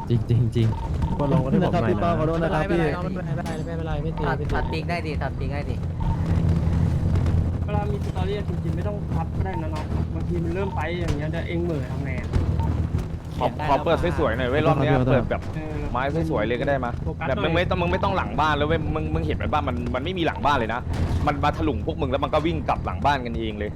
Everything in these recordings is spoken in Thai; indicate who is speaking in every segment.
Speaker 1: จริงจริงจริง
Speaker 2: ก็ลงก็ได้บอกหน่อยนะ
Speaker 3: ขอโทษนะครับพี่
Speaker 4: ไม่เป็นไรไม่ตี
Speaker 5: ถัดปีกได้ดิถัดปีกได้ดิ
Speaker 6: เวลามีสตอรี่จริงๆไม่ต้องพับก็ได้นะน้องบางทีมันเริ่มไปอย่างเงี้ยเดี๋ยวเองเหม่อทำไงอะ
Speaker 7: ขอเปิดสวยๆหน่อยเว้ยรอบเนี้ยเปิดแบบ
Speaker 6: เออ
Speaker 7: ไม้สวยๆเลยก็ได้มา
Speaker 6: โฟกัส
Speaker 7: แบบ
Speaker 6: หน่
Speaker 7: มึ
Speaker 6: อย
Speaker 7: งไม่ต้องหลังบ้านแล้วเว้ยมึงเห็นไหมบ้านมันไม่มีหลังบ้านเลยนะมันมาถลุงพวกมึงแล้วมันก็วิ่งกลับหลังบ้านกันเองเลย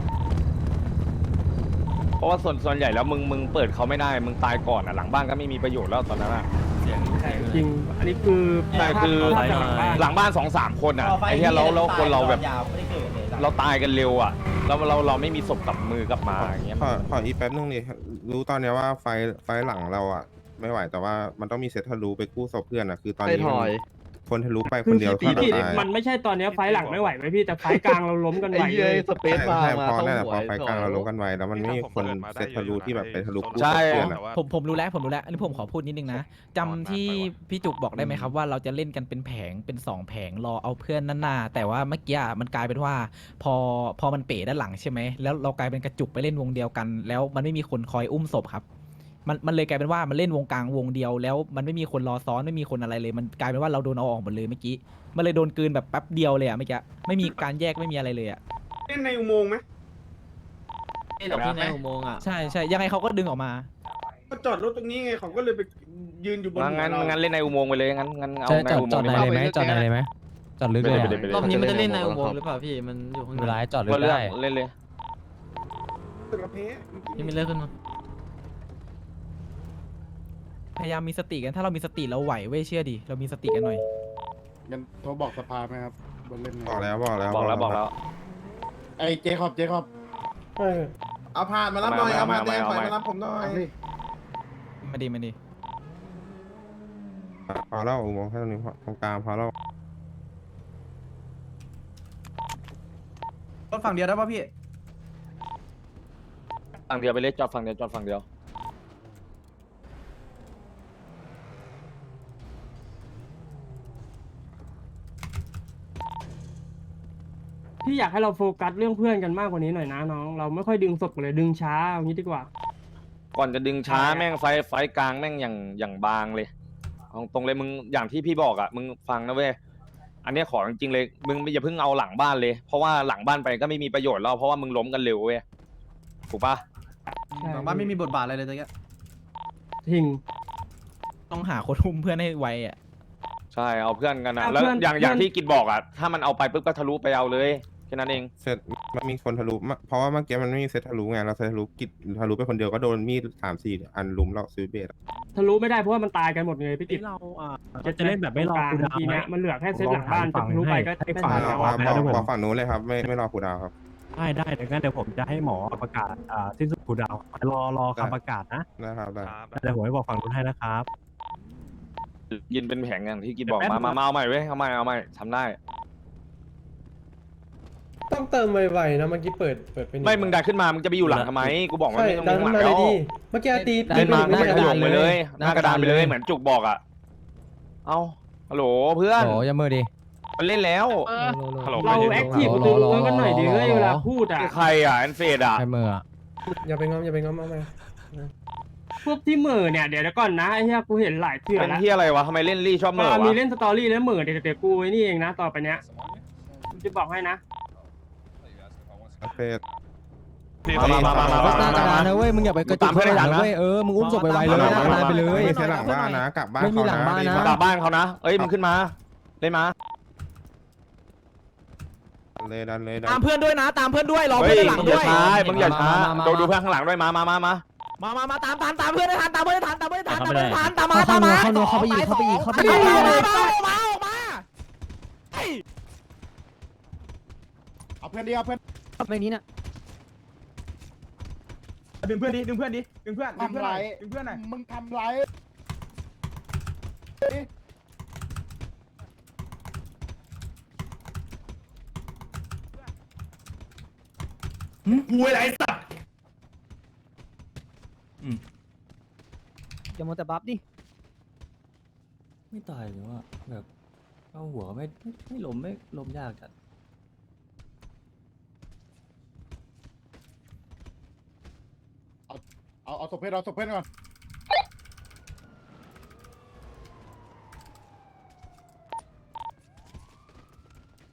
Speaker 7: เพราะว่าส่วนใหญ่แล้วมึงเปิดเขาไม่ได้มึงตายก่อนอ่ะหลังบ้านก็ไม่มีประโยชน์แล้วตอนนั้นอ่ะ
Speaker 6: จริงอันนี้คือ
Speaker 7: ใช่คือ
Speaker 6: ภาพจากหลังบ้าน
Speaker 7: หลังบ้าน2-3 คนอ่ะไอ้เหี้ยแล้วคนเราแบบเราตายกันเร็วอ่ะแล้วเราไม่มีศพกลับมือกลับมาอย่างเงี้ย
Speaker 8: ขออีกแป๊บนึงดิรู้ตอนเนี้ยว่าไฟหลังเราอ่ะไม่ไหวแต่ว่ามันต้องมีเซตทะลุไปกู้ศพเพื่อนอ่ะคือตอนนี้คนทะลุไปคนเดียว
Speaker 6: พี่
Speaker 8: ก็
Speaker 6: พี่
Speaker 8: ตาย
Speaker 6: มันไม่ใช่ตอนเนี้ยไฟล์หลังไม่ไหวไหมพี่แต่ไฟล์กลางเราล้มกันไหวเลย
Speaker 2: สเปซมา
Speaker 8: ใช่พอนั่นแหละพอไฟกลางเราลงกันไวแล้วมันไม่มีคนเซตทะลุที่แบบไปทะลุกู้ศพเพื่อนอ่ะ
Speaker 4: ผมรู้แล้วอันนี้ผมขอพูดนิดนึงนะจำที่พี่จุกบอกได้ไหมครับว่าเราจะเล่นกันเป็นแผงเป็น2 แผงรอเอาเพื่อนนั่นหน้าแต่ว่าเมื่อกี้มันกลายเป็นว่าพอมันเป๋ด้านหลังใช่ไหมแล้วเรากลายเป็นกระจุกไปเล่นวงเดียวกัน แล้วมันไม่มีคนคอยอุ้มศพครับมันเลยกลายเป็นว่ามันเล่นวงกลางวงเดียวแล้วมันไม่มีคนรอซ้อนไม่มีคนอะไรเลย มันกลายเป็นว่าเราโดนเอาออกหมดเลยเมื่อกี้มันเลยโดนกลืนแบบแป๊บเดียวเลยอะเมื่อกี้ไม่มีการแยกไม่มีอะไรเลยอะ
Speaker 3: เล่นในอุโมงค์ไหม
Speaker 5: นี่เราพี่ในอุโมงค์อ่ะ
Speaker 4: ใช่ยังไงเขาก็ดึงออกมา
Speaker 3: ก็จอดรถตรงนี้ไงเขาก็เลยไปยืนอยู่บนหัว
Speaker 7: งั้น
Speaker 3: เรา
Speaker 7: เล่นในอุโมงค์ไปเลยงั้นเอา
Speaker 1: ใช่
Speaker 7: ใน
Speaker 1: จอด
Speaker 7: อุโม
Speaker 1: จอง ด
Speaker 7: ค์
Speaker 1: ใน
Speaker 7: ดีก
Speaker 1: เลย
Speaker 7: ว่า
Speaker 1: ไหมจอดในเลยไหมจอดลึกเลย
Speaker 7: ไปเลย
Speaker 5: รอบนี้มันจะเล่นในอุโมงค์หรือเปล่าพี่มันอยู่ข้าง
Speaker 1: เวลา
Speaker 5: ใน
Speaker 1: จอดลึ
Speaker 7: ก็
Speaker 1: ก
Speaker 7: เลือก
Speaker 1: ได้
Speaker 7: เล่นเลย
Speaker 3: ตึกระเพาะ
Speaker 5: พี่มีเลือกขึ้นมา
Speaker 4: พยายามมีสติกันถ้าเรามีสติเราไหวเว้ยเชื่อดิเรามีสติกันหน่อย
Speaker 9: งั้นโทรบอกสภาไหมครับบนเล่นไง
Speaker 8: บอกแล้ว
Speaker 7: บอกแล้ว
Speaker 9: ไอ้เจคอบ
Speaker 3: เอาผ่านมารับหน่อย
Speaker 7: เอา
Speaker 3: เอา
Speaker 7: มา
Speaker 3: ผ่านแดง
Speaker 7: เอา
Speaker 3: ถ
Speaker 7: มา
Speaker 3: อยมารับผมหน่อย
Speaker 4: มาดี
Speaker 8: พอแล้วอุโมงค์แค่ตรงนี้ตรงกลางพอแล้ว
Speaker 2: รถฝั่งเดียวได้ป่ะพี่
Speaker 7: ฝั่งเดียวไปเลยจอดฝั่งเดียวจอดฝั่งเดียว
Speaker 6: พี่อยากให้เราโฟกัสเรื่องเพื่อนกันมากกว่านี้หน่อยนะน้องเราไม่ค่อยดึงศพกันเลยดึงช้าเอางี้ดีกว่า
Speaker 7: ก่อนจะดึงช้าแม่งไฟกลางแม่งอย่างบางเลยเอาตรงเลยมึงอย่างที่พี่บอกอ่ะมึงฟังนะเว้ยอันเนี้ยขอจริงๆเลยมึงอย่าเพิ่งเอาหลังบ้านเลยเพราะว่าหลังบ้านไปก็ไม่มีประโยชน์แล้วเพราะว่ามึงล้มกันเร็วเว้ยถูกปะ
Speaker 2: หลังบ้านไม่มีบทบาทอะไรเลยตะกี้
Speaker 6: ทิ้ง
Speaker 4: ๆต้องหาคนอุ้มเพื่อนให้ไวอ่ะ
Speaker 7: ใช่เอาเพื่อนกันนะ
Speaker 6: เอา
Speaker 7: แล้ว
Speaker 6: เพื่อน
Speaker 7: อย่างที่กิดบอกอ่ะถ้ามันเอาไปปุ๊บก็ทะลุไปเอาเลยแค่นั้นเอง
Speaker 8: เซตมันมีคนทะลุเพราะว่าเมื่อกี้มันไม่มีเซตทะลุไงเราเซตทะลุกิจทะลุไปคนเดียวก็โดนมีด3-4 อันลุมเราซื้อเบส
Speaker 6: ทะลุไม่ได้เพราะว่ามันตายกันหมดเลยพี่กิต
Speaker 2: เราจะเล่นแบบไม่รอคูลดาวน์
Speaker 6: ที
Speaker 2: ไหม
Speaker 6: เนี้ยมันเหลือแค่เซตหลังบ้านจะทะลุไปก็
Speaker 2: ให้
Speaker 6: ไม่
Speaker 2: ฝั่ง
Speaker 6: ทัน
Speaker 2: เรา
Speaker 6: แล้ว
Speaker 8: บอกฝั่งนู้นเลยครับไม่รอคูลดาวน์ครับ
Speaker 2: ได้เดี๋ยวงั้นเดี๋ยวผมจะให้หมอประกาศสิ้นสุดคูลดาวน์รอคำประกาศนะ
Speaker 8: นะครับได้
Speaker 2: เดี๋ยวผมให้บอกฝั่งนู้นให้นะครับ
Speaker 7: ยินเป็นแผงอย่างที่กิดบอก
Speaker 2: แป๊บ
Speaker 7: มาเอาใหม่เว้ยเอาใหม่ทำได้
Speaker 10: ต้องเติมไวๆนะเมื่อกี้เปิดไปนี่
Speaker 7: ไม่มึงดันขึ้นมามึงจะไปอยู่หลังทำไมกูบอกว่า
Speaker 10: ใช่
Speaker 7: ไม่ต้อง
Speaker 10: ดั
Speaker 7: มี
Speaker 10: น
Speaker 7: หลัง
Speaker 10: มาเล
Speaker 7: แล้
Speaker 10: ยว ดิเมื่อกี้ตี
Speaker 7: เล่นมา
Speaker 10: ไม่
Speaker 7: ไม่
Speaker 10: ได้
Speaker 7: ขยงไปเลย
Speaker 1: หน้ากระดาน
Speaker 7: ไปเลยเหมือนจุกบอกอ่ะเอ้าฮัลโหลเพื่อน
Speaker 1: โอ้ยามือดิ
Speaker 7: มันเล่นแล้ว ฮัลโหล
Speaker 6: เราแอคทีฟดูกันหน่อยดิเว้ยเวลาพูดอ่ะ
Speaker 7: ใครอ่ะแอนเฟดอ่ะ
Speaker 1: ใช้มืออะ
Speaker 10: อย่าไปง้อมเอาไป
Speaker 6: พวกที่เหม่อเนี่ยเดี๋ยวก่อนนะไอ้เหี้ยกูเห็นหลายเถื่อ
Speaker 7: เป็น
Speaker 6: แล้ว
Speaker 7: ที่อะไรวะทำไมเล่นรี่ชอบเหม่อ
Speaker 6: มี
Speaker 7: วะ
Speaker 6: เล่นสตอรี่แล้วเหม่อเดี๋ยวกูไอ้นี่เองนะต่อไปเนี้ยกูจะบอกให้นะ
Speaker 8: เฟส
Speaker 7: มา
Speaker 1: หน้ากระดานนะเว้ยมึงอย่าไปกระจุกข้างหลังนะเว้ยมึงอุ้มศพไปไวเลยหน้ากระดานไปเลย
Speaker 8: ไม่ใช่หลังบ้านนะกลับบ้าน
Speaker 1: ไม่มีหลังบ้านนะ
Speaker 7: กลับบ้านเขานะเอ้ยมึงขึ้นมาเล่นมา
Speaker 8: ดันเลย
Speaker 4: ตามเพื่อนด้วยนะตามเพื่อนด้วยรอ
Speaker 7: เฮ้
Speaker 4: เพื่อย นด้านหลัง
Speaker 7: มึงอ
Speaker 4: ด้
Speaker 7: ย่า
Speaker 4: วย
Speaker 7: ช้ามึงอย่าช้าดูเพื่อนข้างหลังด้วยมา
Speaker 4: มาตามเพื่อนให้ทันตามเพื่อนให้ทันตามมา
Speaker 1: เข้าไปอีก
Speaker 9: เอาเพื่อนดีเอาเพื่อน
Speaker 1: แบบนี้นะ
Speaker 2: ดึงเพื่อนดิดึงเพื่อน
Speaker 9: ทำไรมึงทำไร
Speaker 1: อย่ามัวแต่บัฟดิ
Speaker 5: ไม่ตายหรือว่าแบบเอาหัวไม่ล้มยากจัด
Speaker 9: เอาศพเพื่อนก่อน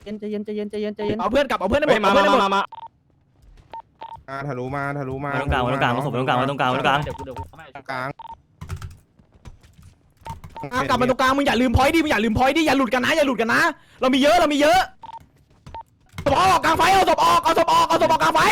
Speaker 1: เย็นใจเย็นใจเย็นใจเย็นใจเย็น
Speaker 4: เอาเพื่อนกลับเอาเพื่อนให้หม
Speaker 7: เฮ้
Speaker 4: ด
Speaker 7: ยมา
Speaker 4: เอาเพื่อนให้หมด
Speaker 7: มา
Speaker 8: ทะลุมาทะลุมา
Speaker 5: ตรงกลางตรงกลางผสมตรงกลางตรงกลางตรงกลาง
Speaker 8: กลาง
Speaker 4: กลับมาตรงกลางมึงอย่าลืมพอยต์ดิมึงอย่าลืมพอยต์ดิอย่าหลุดกันนะอย่าหลุดกันนะเรามีเยอะเรามีเยอะศพออกกลางไฟเอาศพออกเอาศพออกเอาศพออกกลางไฟ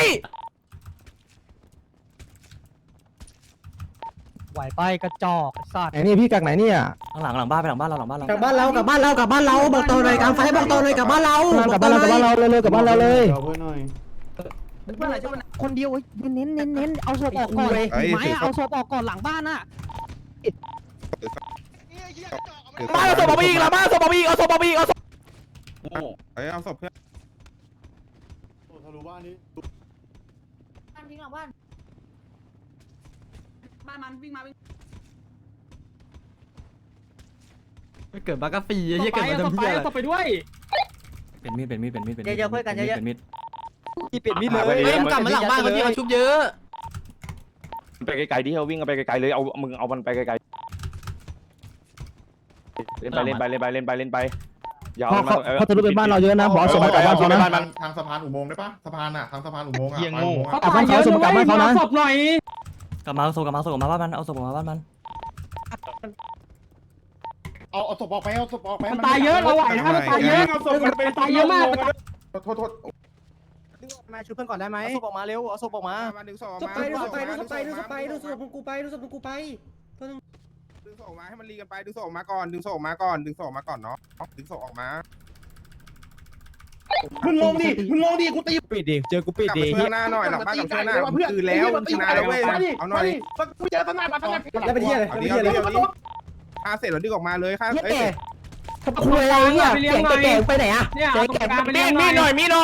Speaker 1: ไหวไปกระจอกสัตว์ไอ้นี่พี่จากไหนเนี่ย
Speaker 5: ข้างหลังบ้านไปหลังบ้านเราหลังบ้านเรา
Speaker 10: กลับบ้านเรากลับบ้านเรากลับบ้านเราบอกต่อหน่อยกลางไฟบอกต่อหน่อยกลับบ้านเรา
Speaker 1: กลับบ้านเรากลับบ้านเราเลยกลับบ้านเราเลย
Speaker 9: เอาเพื่อนหน่อย
Speaker 1: คนเดียวเน้นเอาศพออกก่อนไม้เอาศพออกก่อนหลังบ้านน่ะ
Speaker 4: มาเอาศพออกไปอีกละมาเอาศพออกไปอีกเอาศพออกไปอีกเอาศพ
Speaker 8: เอาศพเพื่อน
Speaker 9: ทะลุบ้านนี้
Speaker 11: บ้านวิ่งหลังบ้านบ้านมันวิ่งมาวิ่ง
Speaker 1: เกิดบากาฟีไอ้เหี้ยเกิดมาทำเหี้ยอะไร
Speaker 6: ต่อไปด้วย
Speaker 5: เป็นมีดเป็นมีดเป็นมีดเป็นมีด
Speaker 1: เยอะๆเพื่อนกันเยอะๆ
Speaker 5: เป็นมีด
Speaker 1: ที่ปิดมิดเลย
Speaker 7: เฮ้ยมึงกลับมาหลังบ้านเขาที่เขาชุบเยอะ
Speaker 1: อะ
Speaker 7: ไปไกลๆที่เขาวิ่งกันไปไกลๆเลยเอามึงเอามันไปไกลๆเล่นไปอย่าเอามัน
Speaker 1: เขาทะลุไปบ้านเราเยอะนะบอกส่งไปกลับบ้านเขานะ
Speaker 9: ทางสะพานอุโมงค์ได้ปะสะพานอ่ะทางสะพานอุโมงค์อ่ะ
Speaker 6: เขาตายเยอะนะเว้ยมาศพหน่อย
Speaker 5: กลับมาเอาศพกลับมาเอาศพกลับมาบ้านมันเอาศพกลับมาบ้านมัน
Speaker 9: เอาศพออกไปเอาศพออกไป
Speaker 6: มันตายเยอะเราไหวนะมันตายเยอะ
Speaker 3: เอาศพมันไป
Speaker 6: มันตายเยอะมาก
Speaker 9: โทษ
Speaker 1: มาช่วยเพื่อนก่อนได้ไหมเอาศพออกมาเร็วเอาศพออกมา
Speaker 8: ดึงศพ
Speaker 10: ดูศพไปดูศพไปดูศพไปดูศพกูไปดูศพกูไป
Speaker 8: ดึงศพมาให้มันรีกันไปดึงศพมาก่อนดึงศพมาก่อนดึงศพมาก่อนเนาะดึงศพออกมา
Speaker 9: มึงลงดิกูตี
Speaker 1: ปิดดิเจอกูปิด
Speaker 8: กลับ
Speaker 1: ดิ
Speaker 8: มาช่วยหน้าหน่อยหลังบ้านกับช่วยหน้าคือแล้วชนะแล้วเว้ยเอาหน่อย
Speaker 9: กูเจอตนามาตนา
Speaker 10: แล้วเป็นเหี้ยอะไร
Speaker 8: เอา
Speaker 10: เป็น
Speaker 8: ดิ
Speaker 10: เหี้ยอะไร
Speaker 8: เอาดิฆ่าเสร็จแล้วดึงออกมาเลยฆ่า
Speaker 1: เหี้ย
Speaker 8: เอ้ย
Speaker 1: แก่คุยอะไรเนี่ยเสียงแก่ไปไหนอะ
Speaker 6: เนี่ยเอาตรงกลางไปเลี้ยง
Speaker 4: มีหน่อยมีหน่อย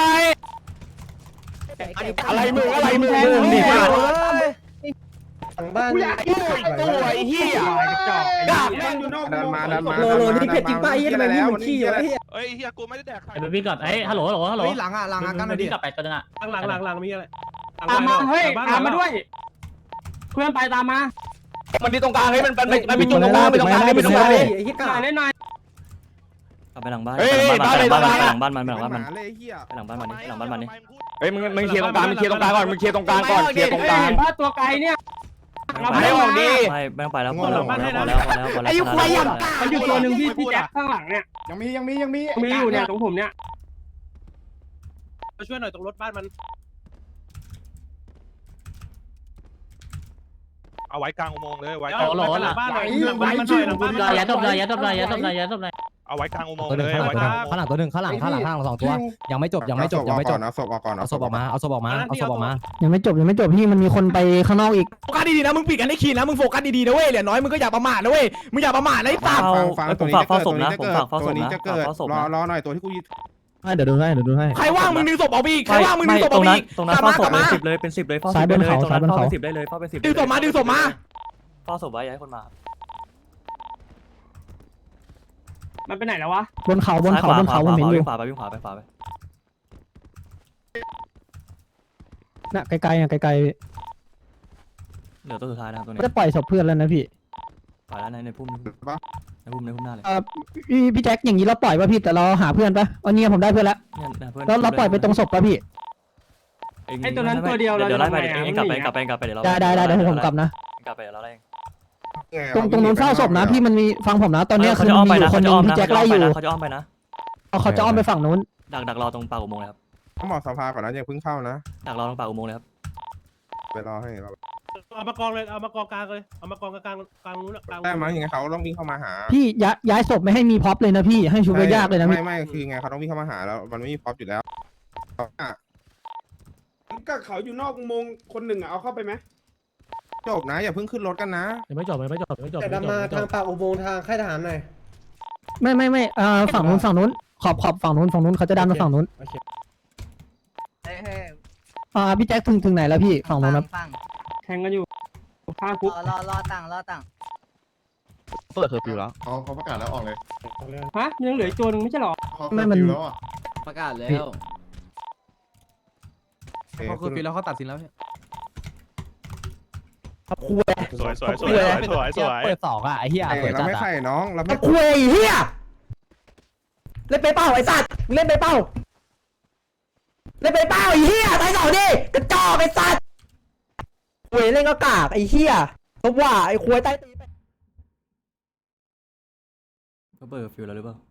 Speaker 4: อะไรมึงอะไรมึงดิ
Speaker 10: หลังบ้าน
Speaker 4: ตัวไอ้เหี้ย
Speaker 3: กาบแม่งอยู่นอก
Speaker 8: ดันมาดันมา
Speaker 10: โลนี่เผ็ดจริงป่ะไอ้เหี้ยทำไมมึงเหมือนขี้วะไอ้เหี้ย
Speaker 2: เฮ้ยเฮียกูไม่ได้แดกใคร
Speaker 1: ไปวิ่งก่อนเอ้ยฮัลโหลฮัลโหลหลังกันมาดิกลับไปตัวนึงอะ
Speaker 2: หลังมีอะไร
Speaker 6: ตามมาเฮ้ยตามมาด้วยเพื่อนไปตามมา
Speaker 4: มันมีตรงกลางให้มันมีจุดตรงกลางมีตรงกลางมีตรงกลาง
Speaker 10: ไอ้เหี้ยกา
Speaker 6: หน่อยเล่นหน่อย
Speaker 5: กลับไปหลังบ้าน
Speaker 4: เฮ้ย
Speaker 5: ไปหลังบ้านมันไปหลังบ้านมัน
Speaker 8: เลยเฮีย
Speaker 5: ไปหลังบ้านมันไปหลังบ้านมันนี่
Speaker 7: เฮ้ยมึงเคลียร์ตรงกลางมึงเคลียร์ตรงกลางก่อนมึงเคลียร์ตรงกลางก่อนเคลียร์ตรงกลาง
Speaker 6: เห็นว่าตัวไกลเนี่ยเรา
Speaker 4: ไม่
Speaker 6: ไม่
Speaker 4: ออกดิ
Speaker 5: ไม่ต้องไปแล้วพอแล้วพอแล้วพอแล้วพอแล้ว
Speaker 4: ไอ้ยุคไรอย่าง
Speaker 6: มันอยู่ตัวหนึ่งพี่แจ็คข้างหลังเนี่ย
Speaker 9: ยังมี
Speaker 6: มีอยู่เนี่ยตรงผมเนี่ย
Speaker 2: มาช่วยหน่อยตรงรถบ้านมันเอาไว้กลางอุโมงค์เลยไว้กลางหลังบ้านหน่อยหลังบ้านมันหน่อยหลังบ้านมันหน่อย
Speaker 1: ยัดตบเลยยัดตบเลยยัดตบเลยยัดตบเลย
Speaker 2: เอาไว้กลางอุโมงค์
Speaker 1: ตัวห
Speaker 2: เล
Speaker 1: นึ่ง
Speaker 2: ยไว้กลาง
Speaker 1: ข้างหลังตัวหนึ่งข้างหลังสองตัวยังไม่จบยังไม่จบ
Speaker 8: เอาศพออกก่อน
Speaker 1: เอาศพออกมาเอาศพออกมาเอาศพออกมา
Speaker 10: ยังไม่จบพี่มันมีคนไปข้างนอกอีก
Speaker 4: โฟกัสดีๆนะมึงปิดกันให้คีนนะมึงโฟกัสดีๆนะเว้ยเหลือน้อยมึงก็อย่าประมาทนะเว้ยมึงอย่าประมาทนะไอ้สัตว์
Speaker 5: ผมฝากเฝ้าศพนะผมฝากเฝ้าศ
Speaker 8: ตัว
Speaker 5: พ
Speaker 8: นี้
Speaker 5: นะ
Speaker 8: จะเกิด
Speaker 5: เฝ้าศพ
Speaker 8: รอ
Speaker 5: นะ
Speaker 8: รอหน่อยตัวที่กูยึด
Speaker 1: เดี๋ยวดูให้
Speaker 4: ใครว่างมึงดึงศพออกไปอีกใครว่างมึงดึงศพอ
Speaker 5: ต
Speaker 4: อ
Speaker 5: ร
Speaker 4: อก
Speaker 5: ง
Speaker 4: ไป
Speaker 5: นั้น
Speaker 4: อีก
Speaker 5: ตรงนั้น
Speaker 4: กลับ
Speaker 5: เฝ้า
Speaker 4: มา
Speaker 5: ศ
Speaker 4: ก
Speaker 5: พ
Speaker 4: ลับ
Speaker 5: เป็
Speaker 4: มาน
Speaker 5: 10เลยเป็น10เลยเฝ้าศพได้เลยตรงนั้นเฝ้าเป็น10ได้เลยเฝ้าเป็น10
Speaker 4: ดึงศพมาดึงศพมา
Speaker 5: เฝ้าศพไว้อย่าให้คนมา
Speaker 6: มันไปไหนแล้ววะ
Speaker 10: บนเขามันเห็นอยู่
Speaker 5: วิ่งขวาไปวิ่งขวาไปขวาไป
Speaker 10: น่ะไกลๆไกล
Speaker 5: เหลือตัวสุดท้ายนะครับตัว
Speaker 10: ๆ
Speaker 5: นี้
Speaker 10: จะปล่อยศพเพื่อนแล้วนะพี่
Speaker 5: ปล่อยแล้วในพุ่มในพุ่มหน้าเลย
Speaker 10: พี่แจ็คอย่างนี้เราปล่อยป่ะพี่แต่เราหาเพื่อนป่ะวันนี้ผมได้เพื่อนแล้ว
Speaker 5: เนี่ยเพื่อน
Speaker 10: แล้วเราปล่อยไปตรงศพป่ะพี่
Speaker 6: ไอ้ตัวนั้นตัวเดียวเรา
Speaker 5: เดี๋ยวไล่ไป
Speaker 6: จะทำไง
Speaker 5: เองกลับไปเดี๋ยวเรา
Speaker 10: ได้เดี๋ยวผมกลับนะ
Speaker 5: กลับไปเดี๋ยวเราไล่
Speaker 10: ตรงนู้นเฝ้าศพนะพี่มันมีฟังผมนะตอนนี้คือมีอยู่คนนึงพี่แจ็คไล่อยู่
Speaker 5: เขาจะอ้อมไปนะ
Speaker 10: เขาจะอ้อมไปฝั่งนู้น
Speaker 5: ดักรอตรงปากอุโมงค์เลยครับ
Speaker 8: ต้องบอกสภาก่อนนะอย่าเพิ่งเข้านะ
Speaker 5: ดักรอตรงปากอุโมงค์เลยครับ
Speaker 8: ไปรอให้เรา
Speaker 2: เอามากองเลยเอามากองกลางเลยเอามากองกลางนู้นกลาง
Speaker 8: ได้มั้งยังไงเขาต้องวิ่งเข้ามาหา
Speaker 10: พี่ย้ายศพไม่ให้มีพ็อปเลยนะพี่ให้ชูไปยากเลยนะพี่
Speaker 8: ไม่คือไงเขาต้องวิ่งเข้ามาหาแล้วมันไม่มีพร็อพอยู่แล้ว
Speaker 3: ก็เขาอยู่นอกอุโมงค์คนหนึ่งอะเอาเข้าไปไหม
Speaker 8: จบนะอย่าเพิ่งขึ้นรถกันนะ
Speaker 1: ไม่จบ
Speaker 10: แต่ดำมาทางปากอุโมงค์ทางค่ายทหารหน่อยไม่ฝั่งนู้นขอบฝั่งนู้นเขาจะดันมาฝั่งนู้นพี่แจ็คถึงไหนแล้วพี่ฝั่งนู้นนะ
Speaker 6: แทงกันอยู่ข้างคุก
Speaker 11: รอตั้ง
Speaker 1: เปิดเคอร์ฟิวแล้ว
Speaker 9: เขาประกาศแล้วออกเลย
Speaker 6: ฮะยังเหลืออีกตัวหนึ่งไม่ใช่หรอ
Speaker 10: ไม่มัน
Speaker 9: แล้วอ่ะ
Speaker 1: ประกาศแล้ว
Speaker 8: เขาคือปีแล้วเขาตัดสินแล้ว
Speaker 1: คุย
Speaker 2: สวย
Speaker 1: เปิด2อ่ะไอ้เหี้ยเปิด
Speaker 8: เรา
Speaker 1: จัด
Speaker 8: ไม่
Speaker 1: อ่ะ
Speaker 8: ไข่น้องเราไม่
Speaker 10: คุยเฮียเล่นไปเป้าไอ้สัตว์เล่นไปเป้าไอ้เหี้ยตาย2ดิกระจอกไอ้สัตว์เว้ยเล่นก็กากไอ้เหี้ยทบว่าไอ้ควยใต้ตีน
Speaker 5: เขาเปิดฟิวแล้วหรือเปล่า